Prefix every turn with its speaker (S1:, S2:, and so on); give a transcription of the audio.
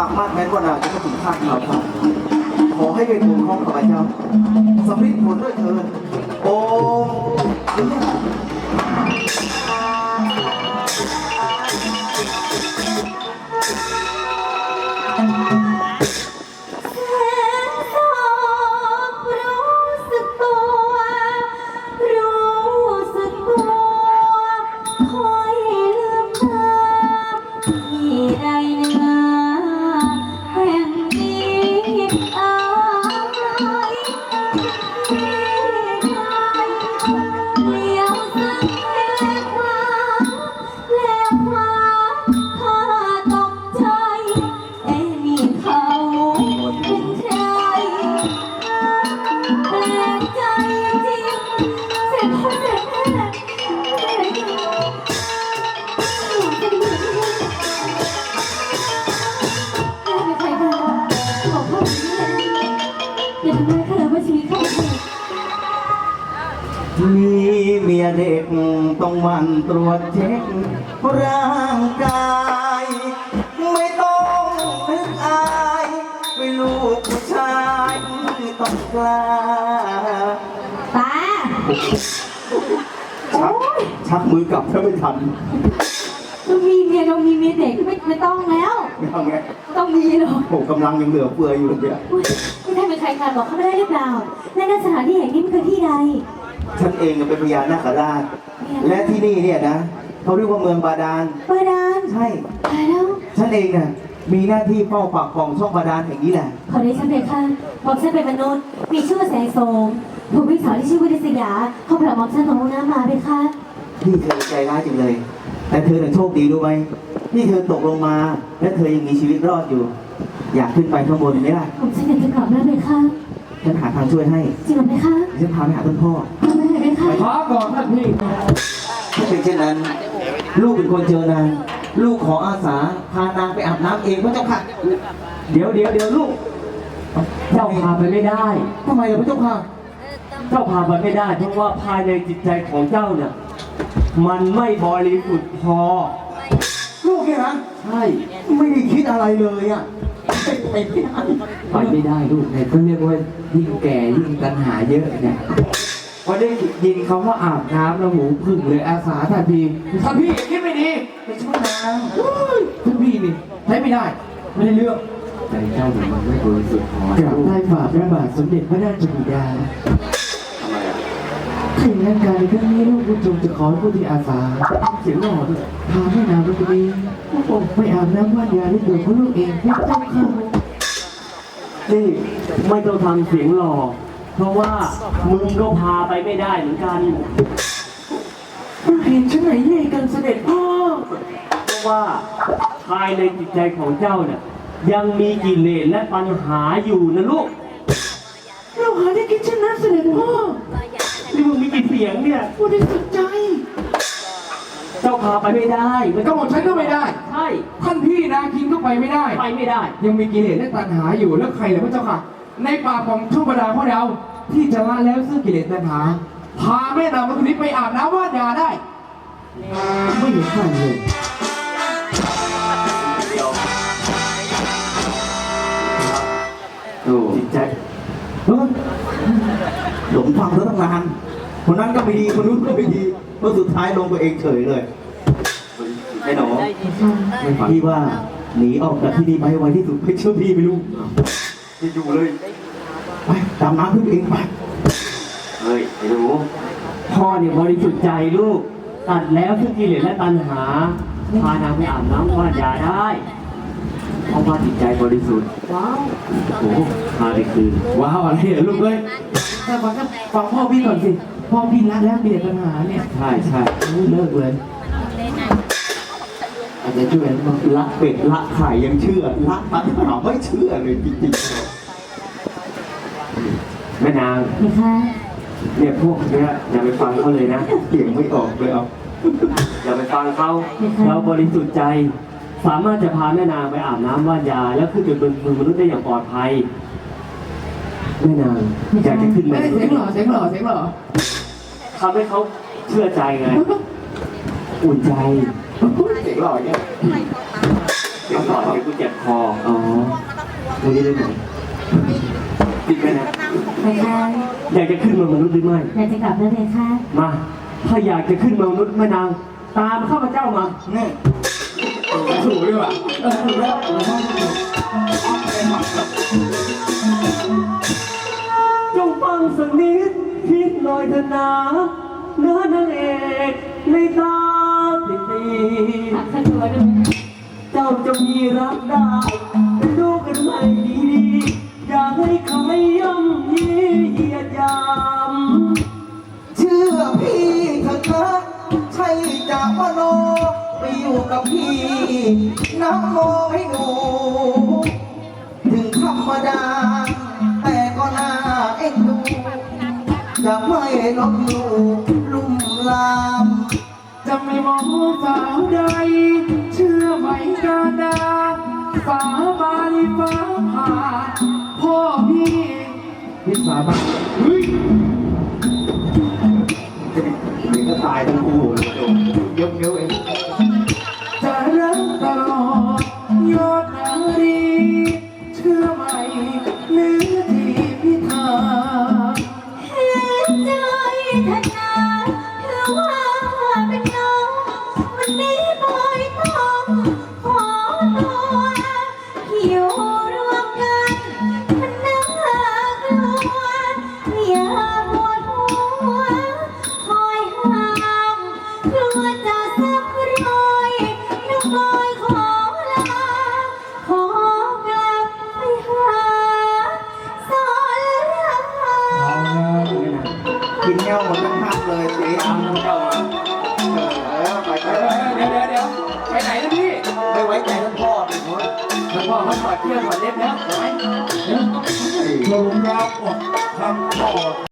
S1: ากมั่นแม้ว่านางจะไม่ถึงข้าดีครับขอให้เป็นบุญของข้าพเจ้าสำเร็จผลด้วยเถิดโอ้มีเมียเด็กต้องหมั่นตรวจเช็คร่างกายไม่ต้องนึกอายไม่ลูกผู้ชายต้องกล้า
S2: ตา
S1: ชักมือกลับถ้าไม่ทัน
S2: เรามีเมียเด็กไม่ต้องแล้ว
S1: ไม่ต้องไง
S2: ต้องมีหรอก
S1: ผมกำลังยังเหลือเฟืออยู่เลยเนี่ย
S2: ไม่ได้เป็นใครค่ะบอกเขาไม่ได้หรือเปล่าและณสถานที่แห่งนี้มันคือที่ใด
S1: ฉันเองเป็นพญานาคราชและที่นี่เนี่ยนะเขาเรียกว่าเมืองบาดาลใช่
S2: แล้ว
S1: ฉันเองน่ะมีหน้าที่เฝ้าปากคลองช่องบาดาลแห่งนี้แหละ
S2: ขอได้ฉันเลยค่ะบอกฉันเป็นมนุษย์มีชื่อว่าแสงโสมถูกพี่สาวที่ชื่อวิริศยาเขาพาบอกฉันของน้ำมาเลยค่ะ
S1: พี่เธอใจร้ายจังเลยแต่เธอโชคดีรู้ไหมนี่เธอตกลงมาและเธอยังมีชีวิตรอดอยู่อยากขึ้นไปข้างบนไหมล่ะ
S2: ผมฉันอยากจะกลับแล้วเลยค่ะ
S1: ฉันหาทางช่วยให้
S2: จริงไหมคะ
S1: ฉันพาไปหาต้นพ่อ
S2: ไป
S1: ขอก่อนท่านพี่ถ้าเป็นเช่นนั้นลูกเป็นคนเจอนางลูกขออาสาพานางไปอาบน้ำเองพระเจ้าค่ะ
S3: เดี๋ยวลูกเจ้าพาไปไม่ได้
S1: ทำไมล่ะพระเจ้าค่ะ
S3: เจ้าพาไปไม่ได้เพราะว่าภายในจิตใจของเจ้าเนี่ยมันไม่บริสุทธิ์พอ
S1: ลูกเนี่ยนะ
S3: ใช่
S1: ไม่ได้คิดอะไรเลยอ่ะ
S3: ไปไม่ได้ลูกเนี่ยก็เรียกว่ายิ่งแก่ยิ่งตัณหาเยอะเนี่ยพอได้ยินเขาว่าอาบน้ำแล้วหูพึ่งเลยอาสาทันทีท่านพี่คิดไม่ดีไปช่วยนางท่านพี่นี่ใช้ไม่ได้ไม่ได้เรื่องใจเจ้ามันไม่บริสุทธิ์พอกราบได้ฝ่าพระบาทสมเด็จพระราชบิดาถึงงานการในครั้งนี้ลูกผู้ชมจะขอผู้ที่อาสาเสียงหล่อด้วยพาแม่นางไปตรงนี้ไปอาบน้ำว่านยาด้วยตัวของลูกเองพี่เจ้าค่ะนี่ไม่ต้องทำเสียงหล่อเพราะว่ามึงก็พาไปไม่ได้เหมือนกันเห็นฉันไหนเย่กันเสด็จพ่อเพราะว่าภายในจิตใจของเจ้าเนี่ยยังมีกิเลสและปัญหาอยู่นะลูกเราหาได้คิดเช่นนั้นเสด็จพ่อที่มึงมีกี่เสียงเนี่ยพูดได้สุดใจเจ้าพาไปไม่ได้ก็บอกฉันก็ไม่ได้ใช่ท่านพี่นาคินก็ไปไม่ได้ยังมีกิเลสและตัณหาอยู่แล้วใครเหรอพระเจ้าค่ะในป่าของช่องบาดาลของเราที่จะละแล้วซึ่งกิเลสตัณหาพาแม่นางมาคนนี้ไปอาบน้ำว่านยาได้ไม่เห็นใครเลยจิตใจ
S1: หลงฟังแล้วตั้งนานคนนั้นก็ไม่ดีคนนู้นก็ไม่ดีเพราะสุดท้ายลงตัวเองเฉยเลยไอ้หนูพี่ว่าหนีออกจากที่นี่ไปไวที่สุดไม่เชื่อพี่ไม่รู้จะอยู่เลยไปตามน้ำขึ้นเองไป
S3: เฮ้ยไอ้หนูพ่อเนี่ยบริสุทธิ์ใจลูกตัดแล้วทุกกิเลสและตัณหาพานางไปอาบน้ำว่านยาได้เพราะว่าจิตใจบริสุทธิ์ว้าวโอ้พาไปคืนว้าวอะไรเหรอลูกเอ้ยแต่ฟังพ่อพี่ก่อนสิพ่อพี่ละแล้วมีแต่ปัญหาเนี่ยใช่เลิกเลยอาจจะช่วย
S1: ละเป็ดละไข่ยังเชื่อละปัญหาไม่เชื่อเลยจริงๆ
S3: แม่นางเนี่ยพวกเนี้ยอย่าไปฟังเขาเลยนะ
S1: เสียงไม่ออกเลยเอา
S3: อย่าไปฟังเขาเราบริสุทธิ์ใจสามารถจะพาแม่นางไปอาบน้ำว่านยาแล้วขึ้นไปบนมือมนุษย์ได้อย่างปลอดภัยแม่นางอยากจะขึ้นมา
S4: เสียงหล่อ
S3: ทำให้เขาเชื่อใจไงอุ่นใจ
S1: เสียงหล่อเนี่ย
S3: เสียงหล่อเดี๋ยวกูเจ็บคอ
S1: วันนี้เลยไหมจริงไหมนะ
S2: ไปค่ะ
S3: อยากจะขึ้นมามนุษย์หรือไม่
S2: อยากจะกลับแล้วเลยค่ะ
S3: มา ถ้าอยากจะขึ้นมามนุษย์แม่นาง ตามข้าพเจ้ามา
S1: นี่
S3: ถูกด้วยว่ะ
S1: ถูกแล้ว
S3: จงฟังสักนิดคิดหน่อยเถอะนะเนื้อนางเอกในตาติดตี
S2: หักข้าตัวด้วย
S3: เจ้าจะมีรักได้แต่ดูกันไม่ดีๆอย่าให้ใครย่ำยีเหยียดหยาม
S1: เชื่อพี่เถอะนะใช่จากมโนไปอยู่กับพี่น้ำโมให้หนูถึงธรรมดา แต่ก็น่าเอ็นดู จะไม่ลบหลู่ลุ่มลาม
S3: จะไม่มองสาวใดเชื่อไหมกาดาสาบานฟ้าผ่าพ่อพี่สาบานเฮ้ย
S1: เดี๋ยวก็ตายทั้งคู่เลยโดนยกนิ้วเอง
S3: จะรักตลอดยอดนารีเชื่อไหมเนื้อที่พิธา
S2: เห็นใจท่านนาถือว่าเป็นน้องวันนี้บอยต้องขอตัวอยู่รวมกันมันน่ากลัวอย่าปวดหัวคอยห้ามกลัวจะสับรอยน้องบอยขอลาขอกลับไปหาสอนราม
S1: กินแก้วหมดทั้งภาคเลยสีดำทั้งเจ้าไป
S3: เดี๋ยวไปไหนนะพี่
S1: ไม่ไว้ใจท่านพ่อเลยเว้ย
S3: แล้วพ่อเขาถอดเสื้อถอดเล็บแล้วไป
S4: ลงรับอดคำตอบ